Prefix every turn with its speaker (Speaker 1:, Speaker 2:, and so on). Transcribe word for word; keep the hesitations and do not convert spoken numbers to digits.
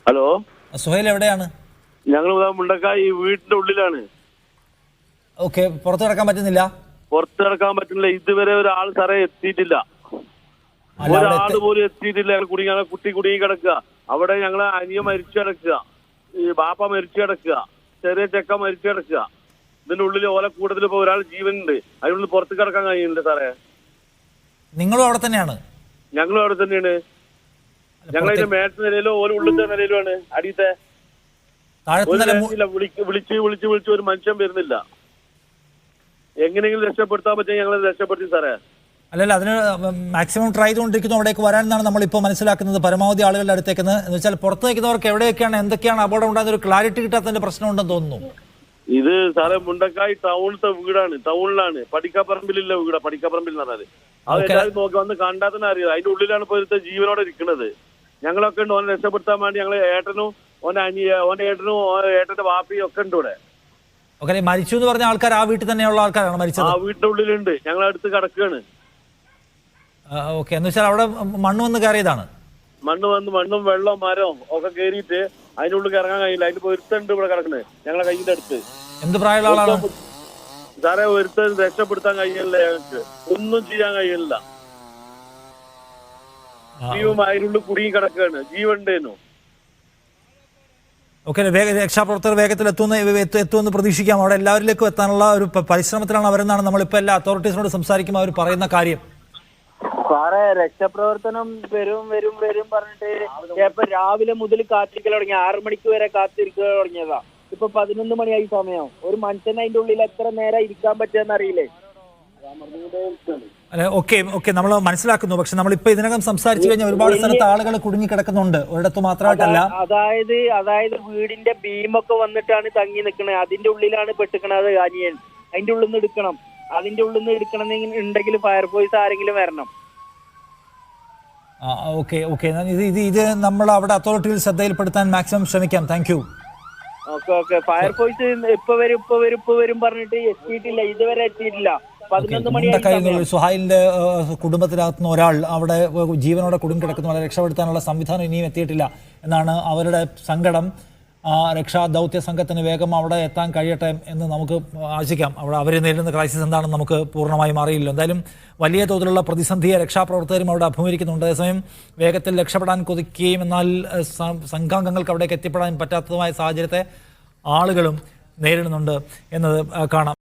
Speaker 1: Hello,
Speaker 2: Suhail എവിടെയാണ്?
Speaker 1: ഞങ്ങൾ മുണ്ടക്കായി വീടിന്റെ ഉള്ളിലാണ്.
Speaker 2: ഓക്കെ, പുറത്തു കിടക്കാൻ പറ്റുന്നില്ല?
Speaker 1: പുറത്ത് കിടക്കാൻ പറ്റുന്നില്ല. ഇതുവരെ ഒരാൾ സാറേ എത്തിയിട്ടില്ല. ഒരാൾ പോലും എത്തിയിട്ടില്ല. ഞങ്ങൾ കുടുങ്ങി, കുട്ടി കുടുങ്ങി കിടക്കുക. അവിടെ ഞങ്ങളെ അനിയ മരിച്ചു കിടക്കുക, ഈ ബാപ്പ മരിച്ചു കിടക്കുക, ചെറിയ ചെക്ക മരിച്ചു കിടക്കുക. ഇതിന്റെ ഉള്ളിൽ ഓല കൂടുതൽ ഇപ്പൊ ഒരാൾ ജീവനുണ്ട്. അതിനുള്ളിൽ പുറത്ത് കിടക്കാൻ കഴിയുന്നില്ല സാറേ.
Speaker 2: നിങ്ങളും അവിടെ തന്നെയാണ്?
Speaker 1: ഞങ്ങളും അവിടെ തന്നെയാണ്. ഞങ്ങളതിന്റെ മേട്ട നിലയിലോ ഓല ഉള്ളിലത്തെ നിലയിലുമാണ്. അടിയത്തെ വിളിച്ച് വിളിച്ച് വിളിച്ച് വിളിച്ച് ഒരു മനുഷ്യൻ വരുന്നില്ല. എങ്ങനെയെങ്കിലും രക്ഷപ്പെടുത്താൻ പറ്റും, ഞങ്ങൾ രക്ഷപ്പെടുത്തി സാറേ.
Speaker 2: അല്ലല്ല, അതിന് മാക്സിമം ട്രൈ ചെയ്തുകൊണ്ടിരിക്കുന്നു അവിടേക്ക് വരാനെന്നാണ് നമ്മളിപ്പോൾ മനസ്സിലാക്കുന്നത്. പരമാവധി ആളുകളുടെ അടുത്തേക്ക് എന്ന് വെച്ചാൽ പുറത്ത് നിൽക്കുന്നവർക്ക് എവിടെയൊക്കെയാണ് എന്തൊക്കെയാണ് അപകടം ഉണ്ടാകുന്ന ഒരു ക്ലാരിറ്റി കിട്ടാത്തതിന്റെ പ്രശ്നമുണ്ടെന്ന് തോന്നുന്നു.
Speaker 1: ഇത് സാറേ മുണ്ടക്കായി ടൗണിലത്തെ വീടാണ്, ടൗണിലാണ്. പടിക്കാപ്പറമ്പിലുള്ള വീടാ, പടിക്കാപ്പറമ്പിൽ എന്ന് പറഞ്ഞാൽ അത് എല്ലാവരും നോക്കി വന്ന് കണ്ടാൽ തന്നെ അറിയാം. അതിന്റെ ഉള്ളിലാണ് ഇപ്പോൾ ഇവിടുത്തെ ജീവനോടെ ഇരിക്കുന്നത്. ഞങ്ങളൊക്കെ ഉണ്ട് ഓനെ രക്ഷപ്പെടുത്താൻ വേണ്ടി. ഞങ്ങൾ ഏട്ടനും ഓന്റെ അനിയ ഓന്റെ ഏട്ടനും ഏട്ടന്റെ വാപ്പിയും ഒക്കെ ഉണ്ട് ഇവിടെ.
Speaker 2: ഓക്കെ, മരിച്ചു എന്ന് പറഞ്ഞ ആൾക്കാർ ആ വീട്ടിൽ തന്നെയുള്ള ആൾക്കാരാണ് മരിച്ചത്? ആ
Speaker 1: വീട്ടിന്റെ ഉള്ളിലുണ്ട്, ഞങ്ങൾ അടുത്ത് കിടക്കുകയാണ്.
Speaker 2: ഓക്കെ, എന്ന് വെച്ചാൽ അവിടെ മണ്ണ് വന്ന് കയറിയതാണ്?
Speaker 1: മണ്ണ് വന്ന് മണ്ണും വെള്ളവും മരവും ഒക്കെ കയറിയിട്ട് അതിനുള്ളിൽ ഇറങ്ങാൻ കഴിയില്ല. അതിന്റെ ഒരുത്തുണ്ട് ഇവിടെ കിടക്കുന്നത് ഞങ്ങളെ കയ്യിന്റെ അടുത്ത്.
Speaker 2: എന്ത് പ്രായമുള്ള ആളാണ്
Speaker 1: സാറേ? ഒരുത്തൻ രക്ഷപ്പെടുത്താൻ കഴിയില്ല, ഞങ്ങൾക്ക് ഒന്നും ചെയ്യാൻ കഴിയില്ല. ജീവൻ അതിനുള്ളിൽ കുടുങ്ങി കിടക്കുകയാണ്. ജീവണ്ടേനു.
Speaker 2: ഓക്കെ, രക്ഷാപ്രവർത്തകർ വേഗത്തിൽ എത്തുമെന്ന് എത്തുമെന്ന് പ്രതീക്ഷിക്കാം. അവിടെ എല്ലാവരിലേക്കും എത്താനുള്ള ഒരു പരിശ്രമത്തിലാണ് അവരെന്നാണ് നമ്മളിപ്പോൾ എല്ലാ അതോറിറ്റീസിനോട് സംസാരിക്കുമ്പോൾ അവർ പറയുന്ന കാര്യം.
Speaker 3: സാറേ, രക്ഷാപ്രവർത്തനം വരും വരും വരും പറഞ്ഞിട്ട് ഇപ്പൊ രാവിലെ മുതൽ കാത്തിരിക്കൽ തുടങ്ങി. ആറു മണിക്ക് വരെ കാത്തിരിക്കൽ തുടങ്ങിയതാ. ഇപ്പൊ പതിനൊന്ന് മണിയായി സമയം. ഒരു മനുഷ്യൻ അതിന്റെ ഉള്ളിൽ എത്ര നേരം ഇരിക്കാൻ പറ്റുമെന്ന് അറിയില്ലേ?
Speaker 2: അല്ലെ, ഓക്കെ ഓക്കെ നമ്മൾ മനസ്സിലാക്കുന്നു. പക്ഷെ നമ്മളിപ്പോ ഇതിനകം സംസാരിച്ചു കഴിഞ്ഞാൽ ഒരുപാട് സ്ഥലത്ത് ആളുകൾ കുടുങ്ങി കിടക്കുന്നുണ്ട്, ഒരിടത്ത് മാത്രമായിട്ടല്ല.
Speaker 3: അതായത് അതായത് വീടിന്റെ ബീമൊക്കെ വന്നിട്ടാണ് തങ്ങി നിൽക്കണത്. അതിന്റെ ഉള്ളിലാണ് പെട്ടിക്കണത് അനിയൻ. അതിന്റെ ഉള്ളിൽ നിന്ന് എടുക്കണം. അതിന്റെ ഉള്ളിൽ നിന്ന് എടുക്കണം ഉണ്ടെങ്കിൽ ഫയർഫോഴ്സ് ആരെങ്കിലും വരണം.
Speaker 2: ഓക്കെ ഓക്കെ ഇത് ഇത് ഇത് നമ്മൾ അവിടെ അതോറിറ്റിയിൽ ശ്രദ്ധയിൽപ്പെടുത്താൻ മാക്സിമം ശ്രമിക്കാം. Thank you.
Speaker 3: Okay okay fire force ഇപ്പൊ വരും ഇപ്പൊ വരും ഇപ്പൊ വരും പറഞ്ഞിട്ട് എത്തിയിട്ടില്ല, ഇതുവരെ എത്തിയിട്ടില്ല.
Speaker 2: സുഹൈലിന്റെ കുടുംബത്തിനകത്തുന്ന ഒരാൾ അവിടെ ജീവനോടെ കുടുങ്ങി കിടക്കുന്ന രക്ഷപ്പെടുത്താനുള്ള സംവിധാനം ഇനിയും എത്തിയിട്ടില്ല എന്നാണ് അവരുടെ സങ്കടം. രക്ഷാ ദൗത്യ സംഘത്തിന് വേഗം അവിടെ എത്താൻ കഴിയട്ടെ എന്ന് നമുക്ക് ആശിക്കാം. അവിടെ അവർ നേരിടുന്ന ക്രൈസിസ് എന്താണെന്ന് നമുക്ക് പൂർണ്ണമായും അറിയില്ല. എന്തായാലും വലിയ തോതിലുള്ള പ്രതിസന്ധിയെ രക്ഷാപ്രവർത്തകരും അവിടെ അഭിമുഖീകരിക്കുന്നുണ്ട്. അതേസമയം വേഗത്തിൽ രക്ഷപ്പെടാൻ കൊതിക്കുകയും എന്നാൽ സംഘാംഗങ്ങൾക്ക് അവിടേക്ക് എത്തിപ്പെടാൻ പറ്റാത്തതുമായ സാഹചര്യത്തെ ആളുകളും നേരിടുന്നുണ്ട് എന്നത് കാണാം.